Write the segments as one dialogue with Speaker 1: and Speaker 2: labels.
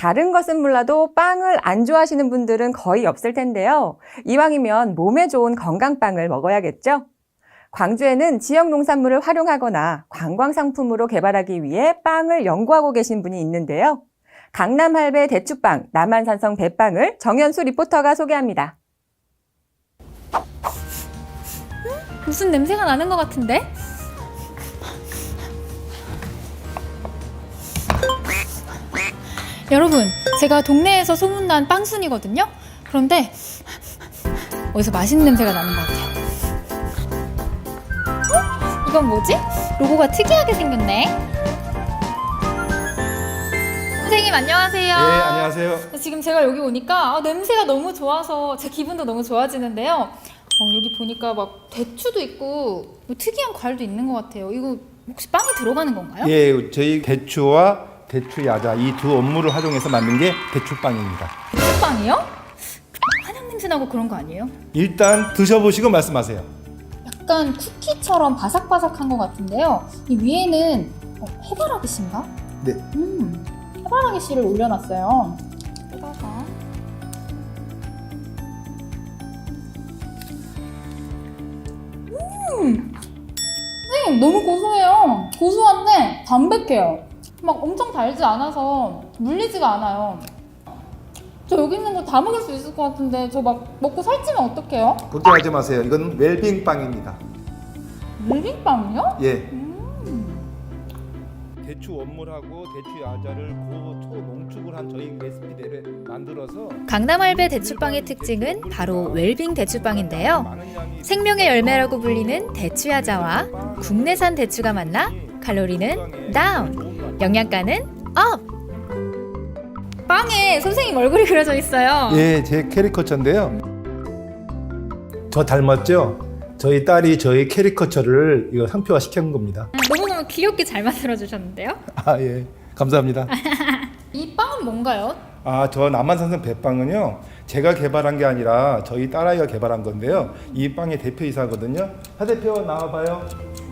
Speaker 1: 다른 것은 몰라도 빵을 안 좋아하시는 분들은 거의 없을 텐데요. 이왕이면 몸에 좋은 건강빵을 먹어야겠죠? 광주에는 지역 농산물을 활용하거나 관광 상품으로 개발하기 위해 빵을 연구하고 계신 분이 있는데요. 강남 할배 대추빵, 남한산성 배빵을 정연수 리포터가 소개합니다.
Speaker 2: 무슨 냄새가 나는 것 같은데? 여러분, 제가 동네에서 소문난 빵순이거든요? 그런데 어디서 맛있는 냄새가 나는 것 같아요. 이건 뭐지? 로고가 특이하게 생겼네. 선생님 안녕하세요.
Speaker 3: 네, 안녕하세요.
Speaker 2: 지금 제가 여기 오니까 냄새가 너무 좋아서 제 기분도 너무 좋아지는데요. 여기 보니까 막 대추도 있고 뭐 특이한 과일도 있는 것 같아요. 이거 혹시 빵에 들어가는 건가요?
Speaker 3: 예, 저희 대추와 대추 야자 이 두 업무를 활용해서 만든 게 대추빵입니다.
Speaker 2: 대추빵이요? 한약 냄새 나고 그런 거 아니에요?
Speaker 3: 일단 드셔보시고 말씀하세요.
Speaker 2: 약간 쿠키처럼 바삭바삭한 것 같은데요. 이 위에는 해바라기 씨인가?
Speaker 3: 네.
Speaker 2: 해바라기 씨를 올려놨어요. 뜯어서. 선생님 너무 고소해요. 고소한데 담백해요. 막 엄청 달지 않아서 물리지가 않아요. 저 여기 있는 거 다 먹을 수 있을 것 같은데 저 막 먹고 살찌면 어떡해요?
Speaker 3: 걱정하지 마세요. 이건 웰빙 빵입니다.
Speaker 2: 물빈빵이요?
Speaker 3: 예. 대추 원물하고 대추 야자를 고초농축을 한 저희 레시피대로 만들어서
Speaker 4: 강남할배 대추빵의 특징은 바로 웰빙 대추빵인데요. 생명의 열매라고 불리는 대추야자와 국내산 대추가 만나 칼로리는 다운, 영양가는 업!
Speaker 2: 빵에 선생님 얼굴이 그려져 있어요.
Speaker 3: 예, 제 캐리커처인데요. 저 닮았죠? 저희 딸이 저희 캐리커처를 이거 상표화 시킨 겁니다.
Speaker 2: 너무너무 귀엽게 잘 만들어 주셨는데요.
Speaker 3: 아, 예. 감사합니다.
Speaker 2: 이 빵은 뭔가요?
Speaker 3: 아, 저 남한산성 배빵은요, 제가 개발한 게 아니라 저희 딸아이가 개발한 건데요. 이 빵의 대표이사거든요. 하 대표 나와봐요.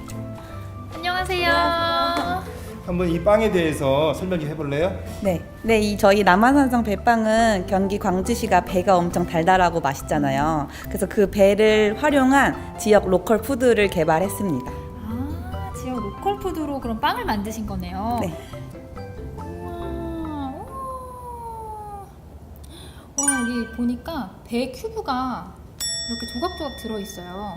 Speaker 2: 안녕하세요.
Speaker 3: 한번 이 빵에 대해서 설명 좀 해볼래요?
Speaker 5: 네, 저희 남한산성 배빵은 경기 광주시가 배가 엄청 달달하고 맛있잖아요. 그래서 그 배를 활용한 지역 로컬 푸드를 개발했습니다.
Speaker 2: 아, 지역 로컬 푸드로 그럼 빵을 만드신 거네요.
Speaker 5: 네.
Speaker 2: 우와, 와, 여기 보니까 배 큐브가 이렇게 조각조각 들어있어요.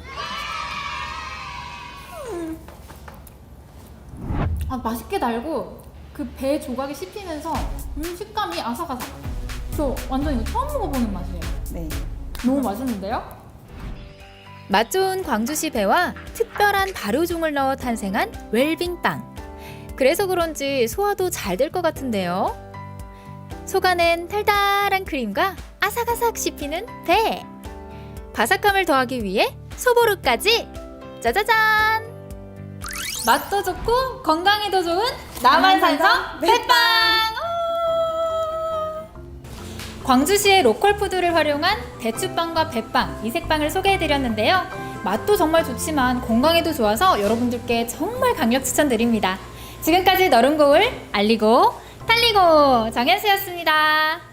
Speaker 2: 아, 맛있게 달고 그 배 조각이 씹히면서 식감이 아삭아삭. 저 완전 이거 처음 먹어보는 맛이에요.
Speaker 5: 네.
Speaker 2: 너무 맛있는데요?
Speaker 4: 맛 좋은 광주시 배와 특별한 발효종을 넣어 탄생한 웰빙빵. 그래서 그런지 소화도 잘 될 것 같은데요. 속안엔 달달한 크림과 아삭아삭 씹히는 배. 바삭함을 더하기 위해 소보루까지. 짜자잔!
Speaker 2: 맛도 좋고 건강에도 좋은 남한산성 배빵! 광주시의 로컬 푸드를 활용한 대추빵과 배빵, 이색빵을 소개해드렸는데요. 맛도 정말 좋지만 건강에도 좋아서 여러분들께 정말 강력 추천드립니다. 지금까지 너른 고을 알리고 달리고 정연수였습니다.